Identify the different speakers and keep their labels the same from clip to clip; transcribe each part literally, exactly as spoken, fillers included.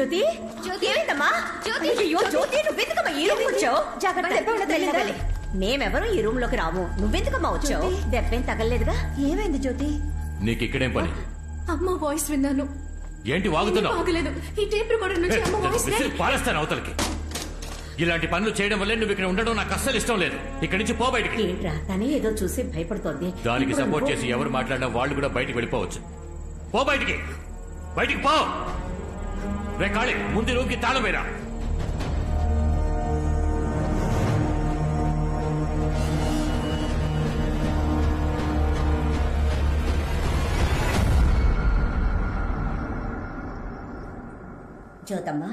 Speaker 1: జ్యోతి జ్యోతి ఏమైందమ్మా? జ్యోతి అయ్యో జ్యోతి నువ్వెందుకమ్మా ఈ రూమ్ వచ్చావు? జాగ్రత్త, మేమెవరూ ఈ రూమ్ లోకి రాము. నువ్వెందుకమ్మా వచ్చావు? దెబ్బేం తగలలేదుగా? ఏమైంది జ్యోతి?
Speaker 2: నీకు ఇక్కడేం పని?
Speaker 3: అమ్మ వాయిస్ విన్నాను.
Speaker 2: ఏంటి వాగుతున్నావు?
Speaker 3: ఆగలేదు. ఈ టేప్ రికార్డర్ నుంచి అమ్మ వాయిస్
Speaker 2: పారేస్తాను అవతలకి. ఇలాంటి పనులు చేయడం వల్లే నువ్వు ఇక్కడ ఉండడం నాకు అస్సలు ఇష్టం లేదు. ఇక్కడి నుంచి పో బయటికి.
Speaker 1: ఏంట్రా తనే ఏదో చూసి భయపడుతోంది.
Speaker 2: దానికి సపోర్ట్ చేసి ఎవరు మాట్లాడినా వాళ్ళు కూడా బయటికి వెళ్ళిపోవచ్చు. పో బయటికి, బయటికి పో. రే కాళీ, ముందు రూమ్కి తాళం వేరా.
Speaker 1: జ్యోతమ్మా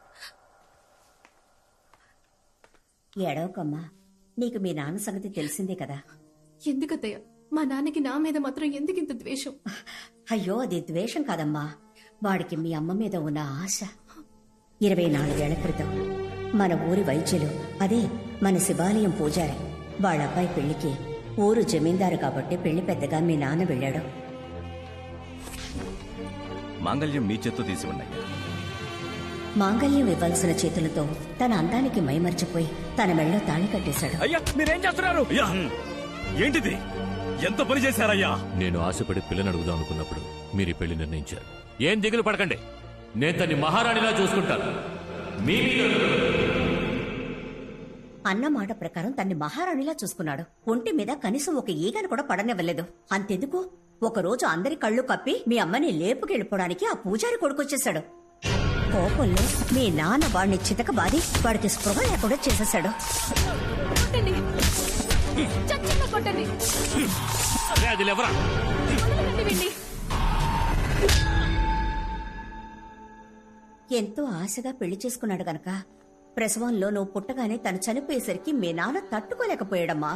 Speaker 1: ఏడవకమ్మా, నీకు మీ నాన్న సంగతి తెలిసిందే కదా.
Speaker 3: ఎందుకత్తయ్య మా నాన్నకి నా మీద మాత్రం ఎందుకింత ద్వేషం?
Speaker 1: అయ్యో అది ద్వేషం కాదమ్మా, వాడికి మీ అమ్మ మీద ఉన్న ఆశ. ఇరవై నాలుగేళ్ల క్రితం మన ఊరి వైద్యులు, అదే మన శివాలయం పూజారి, వాళ్ళ అబ్బాయి పెళ్లికి ఊరు జమీందారు కాబట్టి పెళ్లి పెద్దగా మీ నాన్న వెళ్ళాడు.
Speaker 4: మాంగళ్యం మీ చేత్తో తీసి ఉన్నాయి.
Speaker 1: మాంగళ్యం ఇవ్వాల్సిన చేతులతో తన అందానికి మైమర్చిపోయి తన మెళ్ళో తాళి కట్టేశాడు.
Speaker 4: అయ్యా మీరేం చేస్తున్నారు? ఏంటిది? ఎంత పని చేశారయ్యా?
Speaker 2: నేను ఆశపడి పిల్లని అడుగుదాం అనుకున్నప్పుడు మీరు పెళ్లి నిర్ణయించారు. ఏం దిగులు పడకండి, నేను తన్ని మహారాణిలా చూసుకుంటాను. మీ
Speaker 1: అన్న మాట ప్రకారం తన్ని మహారాణిలా చూసుకున్నాడు. ఒంటి మీద కనీసం ఒక ఈగను కూడా పడనివ్వలేదు. అంతెందుకు, ఒకరోజు అందరి కళ్ళు కప్పి మీ అమ్మని లేపుకెళ్ళిపోవడానికి ఆ పూజారి కొడుకొచ్చేశాడు. కోపంలో మీ నాన్న వాడిని చితకబాది వాడికి స్పృహ లేకుండా చేసేశాడు. ఎంతో ఆశగా పెళ్లి చేసుకున్నాడు గనక ప్రసవంలో నువ్వు పుట్టగానే తను చనిపోయేసరికి మీ నాన్న తట్టుకోలేకపోయాడమ్మా.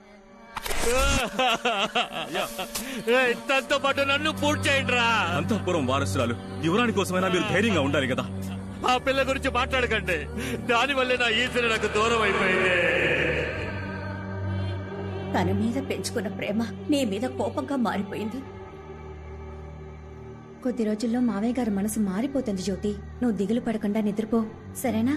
Speaker 2: తనతో పాటు నన్ను పూర్తి చేయండి రా.
Speaker 4: అంతఃపురం వారసురాలు యువరాణి కోసమైనా మీరు ధైర్యంగా ఉండాలి కదా.
Speaker 2: ఆ పిల్ల గురించి మాట్లాడకండి, దానివల్లే నా ఈశ్వరు నాకు దూరం అయిపోయింది.
Speaker 1: తన మీద పెంచుకున్న ప్రేమ నీ మీద కోపంగా మారిపోయింది.
Speaker 5: కొద్ది రోజుల్లో మావయ్య గారి మనసు మారిపోతుంది జ్యోతి. నువ్వు దిగులు పడకుండా నిద్రపో, సరేనా?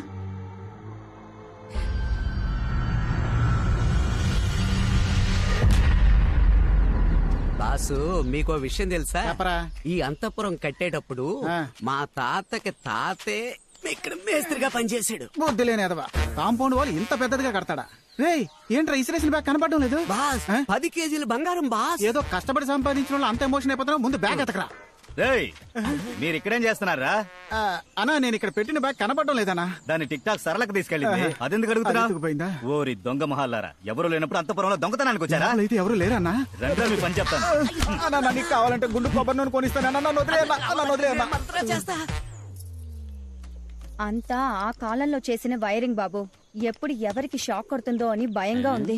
Speaker 6: బాసు మీకో విషయం తెలుసా? ఈ అంతఃపురం కట్టేటప్పుడు మా తాతకి తాతే ఇక్కడ మేస్త్రిగా పనిచేశాడు.
Speaker 7: బుద్ధి లేనేదవా, కాంపౌండ్ వాళ్ళు ఇంత పెద్దదిగా కడతాడా? రేయ్ ఏంట్రా ఇసిరేసిన బ్యాగ్ కనపడడం లేదు?
Speaker 6: బాస్ పది కేజీలు బంగారం బాస్.
Speaker 7: ఏదో కష్టపడి సంపాదించిన వాళ్ళు అంత ఎమోషన్ అయిపోతున్నా. ముందు బ్యాగ్ ఎతకరా.
Speaker 4: రేయ్ మీరు ఇక్కడేం చేస్తున్నారా?
Speaker 7: అన్నా నేను ఇక్కడ పెట్టిన బ్యాగ్ కనపడడం లేదన్నా.
Speaker 4: దాన్ని టిక్ టాక్ సరళకు తీసుకెళ్ళింది. అదెందుకు అడుగుతున్నా? ఓరి దొంగ మహాలారా, ఎవరు లేనప్పుడు అంతపురంలో దొంగతనానికి వచ్చారా?
Speaker 7: అయితే ఎవరు లేరన్నా.
Speaker 4: రండి మీ పని చెప్తాను.
Speaker 7: అన్నా నీకు కావాలంటే గుండు కొబ్బరి నూనె కొనిస్తాను.
Speaker 5: అంతా ఆ కాలంలో చేసిన వైరింగ్ బాబు. ఎప్పుడు ఎవరికి షాక్ కొడుతుందో అని భయంగా ఉంది.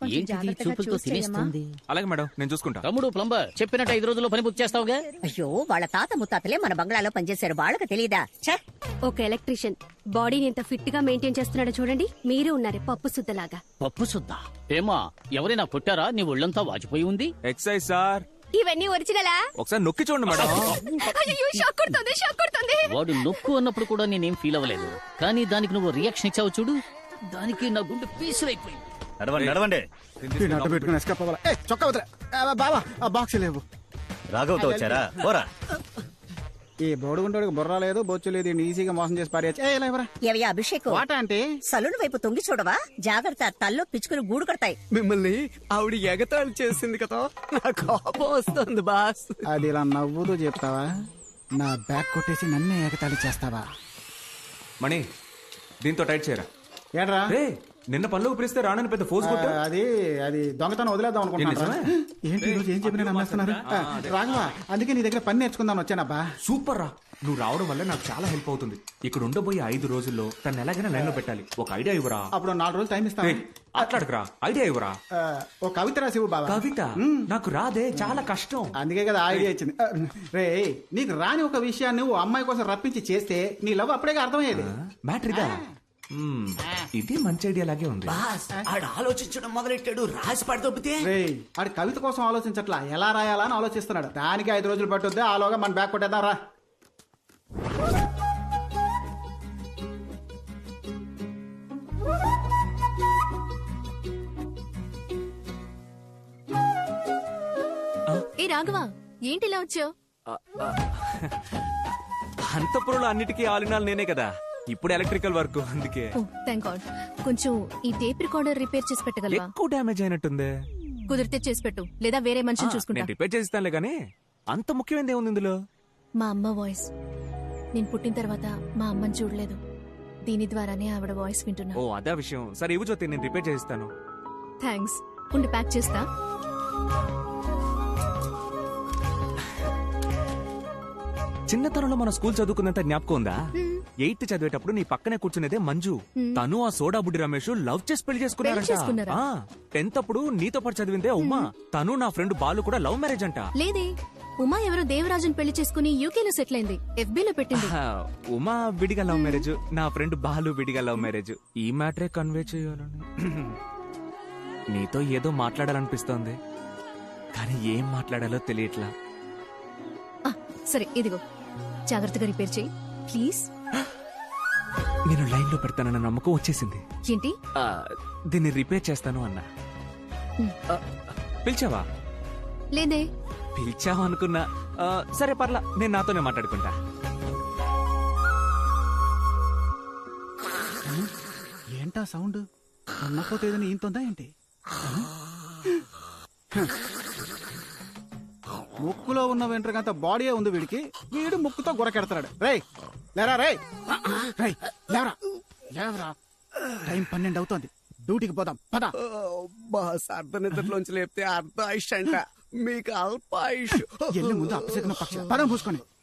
Speaker 8: అలాగే మేడం, నేను చూసుకుంటా.
Speaker 9: తమ్ముడు ప్లంబర్ చెప్పినట్టు ఐదు రోజుల్లో పని పూర్తి చేస్తావుగా?
Speaker 1: అయ్యో వాళ్ళ తాత ముత్తాతలే మన బంగ్లాలో పనిచేశారు, వాళ్ళకి తెలీదా?
Speaker 10: ఒక ఎలక్ట్రీషియన్ బాడీని ఎంత ఫిట్ గా మెయింటైన్ చేస్తున్నాడో చూడండి. మీరు ఉన్నారే పప్పు సుద్దలాగా.
Speaker 9: పప్పు సుద్ద ఏమా? ఎవరైనా కొట్టారా? నీ ఒళ్ళంతా వాచిపోయి ఉంది.
Speaker 8: Excise sir.
Speaker 10: ఇవన్నీ ఒరిజినలా?
Speaker 8: ఒకసారి నొక్కి చూడండి మేడం.
Speaker 10: షాక్ కొడుతుంది, షాక్ కొడుతుంది.
Speaker 9: వాడు నొక్కు అన్నప్పుడు కూడా నేనేం ఫీల్ అవ్వలేదు, కానీ దానికి నువ్వు రియాక్షన్ ఇచ్చావు చూడు, దానికి నా గుండె పీసులైపోయింది.
Speaker 7: బాబా ఆ బాక్స్ లేవు.
Speaker 4: రాఘవతో వచ్చారా? పోరా.
Speaker 7: ఈ బోడుగుంటోడికి బుర్ర లేదు, బొచ్చు లేదు, ఈజీగా మోసం చేసి పారేయచ్చు.
Speaker 1: అభిషేకం
Speaker 7: అంటే
Speaker 1: సలూన్ వైపు తొంగి చూడవా? జాగ్రత్త, తల్లో పిచ్చుకుని గూడు కడతాయి.
Speaker 6: మిమ్మల్ని ఆవిడ ఎగతాళి చేసింది కదా, నా కోపం వస్తుంది బాస్.
Speaker 7: అది ఇలా నవ్వుతూ చెప్తావా? నా బ్యాగ్ కొట్టేసి నన్నే ఎగతాళి చేస్తావా?
Speaker 8: మణి దీంతో టైట్ చేయరా.
Speaker 7: ఏడ్రా
Speaker 8: నిన్న పనులకు పిలిస్తే రానని పెద్ద ఫోర్స్ కొట్టా.
Speaker 7: అది అది దొంగతనం వదిలేద్దాం అనుకుంటున్నా. ఏంటి ఈరోజు ఏం చెప్పినా నమ్మేస్తున్నారు? రాఘవా, అందుకే నీ దగ్గర పని నేర్చుకుందాం వచ్చానబ్బా.
Speaker 8: సూపర్ రా, నువ్వు రావడం వల్ల నాకు చాలా హెల్ప్ అవుతుంది. ఇక్కడ ఉండబోయే ఐదు రోజుల్లో తను ఎలాగైనా లైన్ లో పెట్టాలి. ఒక ఐడియా ఇవ్వరా?
Speaker 7: అప్పుడు నాలుగు రోజులు టైం ఇస్తాను.
Speaker 8: అట్లాడకురా, ఐడియా ఇవ్వరా.
Speaker 7: ఒక కవిత రాసివు బాబా.
Speaker 8: కవిత నాకు రాదే, చాలా కష్టం.
Speaker 7: అందుకే కదా ఐడియా ఇచ్చింది. రే నీకు రాని ఒక విషయాన్ని ఓ అమ్మాయి కోసం రప్పించి చేస్తే నీ లవ్ అప్పుడే అర్థమయ్యేది.
Speaker 8: మ్యాటర్ ఇదా? ఇది మంచి ఐడియా లాగే ఉంది.
Speaker 6: ఆడు ఆలోచించడం మొదలెట్టాడు, రాసి పడదొబ్బితే.
Speaker 7: ఆడు కవిత కోసం ఆలోచించట్లా, ఎలా రాయాలా అని ఆలోచిస్తున్నాడు. దానికి ఐదు రోజులు పట్టుద్ది. ఆలోగా మన బ్యాగ్ కొట్టేద్దాం రా.
Speaker 3: రాఘవ ఏంటి ఇలా వచ్చావు?
Speaker 8: అంతపురంలో అన్నిటికీ ఆలినాలు నేనే కదా, ఇప్పుడు ఎలక్ట్రికల్ వర్క్ అందుకే.
Speaker 3: Oh thank God. కొంచెం ఈ టేప్ రికార్డర్ రిపేర్ చేసి పెట్టగలవా?
Speaker 8: ఎక్కువ డ్యామేజ్ అయినట్టుంది.
Speaker 3: కుదిరితే చేసి పెట్టు, లేదా వేరే మనిషిని చూసుకుంటా.
Speaker 8: నేను రిపేర్ చేస్తానులే గానీ అంత ముఖ్యమైనది ఏముంది ఇందులో?
Speaker 3: మా అమ్మ వాయిస్. నేను పుట్టిన తర్వాత మా అమ్మని చూడలేదు, దీని ద్వారానే ఆవిడ వాయిస్ వింటున్నా.
Speaker 8: ఓ అదే విషయం. సరే ఇవ్వు జ్యోతి, నేను రిపేర్ చేస్తాను.
Speaker 3: థ్యాంక్స్. ఉండి ప్యాక్ చేస్తా.
Speaker 8: చిన్నతనంలో మన స్కూల్ చదువుకున్నంత జ్ఞాపకం ఉందా? ఎయిత్ చదివేటప్పుడు నీ పక్కనే కూర్చునేదే మంజు. తను ఆ సోడా బుడ్డి రమేష్ లవ్ చేసి పెళ్లి
Speaker 3: పెళ్లి చేసుకున్నారా?
Speaker 8: చేసుకున్నారంట. టెన్త్ అప్పుడు నీతో పాటు చదివిందే ఉమా. తను నా ఫ్రెండ్ బాలు కూడా లవ్ మ్యారేజ్ అంట.
Speaker 3: లేదే, ఉమా ఎవరో దేవరాజుని పెళ్లి చేసుకుని యూకేలో సెటిల్ అయింది. ఎఫ్బీ లో పెట్టింది.
Speaker 8: ఆహా, ఉమా విడిగా లవ్ మ్యారేజ్, నా ఫ్రెండ్ బాలు విడిగా లవ్ మ్యారేజ్. ఈ మ్యాటరే కన్వే చేయాలని నీతో ఏదో మాట్లాడాలనిపిస్తోంది, కానీ ఏం మాట్లాడాలో తెలియట్లా.
Speaker 3: ఆ, సరే ఇదిగో, జాగ్రత్తగా రిపేర్ చేయి ప్లీజ్.
Speaker 8: నేను లైన్ లో పెడతానన్న నమ్మకం వచ్చేసింది.
Speaker 3: ఏంటి?
Speaker 8: ఆ, దీన్ని రిపేర్ చేస్తాను అన్నా. ఆ, పిలిచావా?
Speaker 3: లేదే.
Speaker 8: పిలిచావా అనుకున్నా. ఆ, సరే పర్లా, నేను నాతోనే మాట్లాడుకుంటా.
Speaker 7: ఏంటా సౌండ్? ఉన్నపోతే ఏదైనా ఈంతుందా ఏంటి? ముక్కులో ఉన్న వెంట్రుకంత బాడీయే ఉంది వీడికి, వీడు ముక్కుతో గురకెడతాడు. రేయ్ లేరా, రేయ్ రేయ్ లేవరా, లేవరా, టైం పన్నెండు అవుతోంది, డ్యూటీకి పోదాం పద.
Speaker 6: బాస్ అర్ధ నిద్రలోంచి లేపితే అర్ధ ఆయుష్ అంట, మీకు అల్ప ఆయుష్.
Speaker 7: ఎల్లి ముందు అప్పసెక్కిన పక్షి పదం పూసుకొని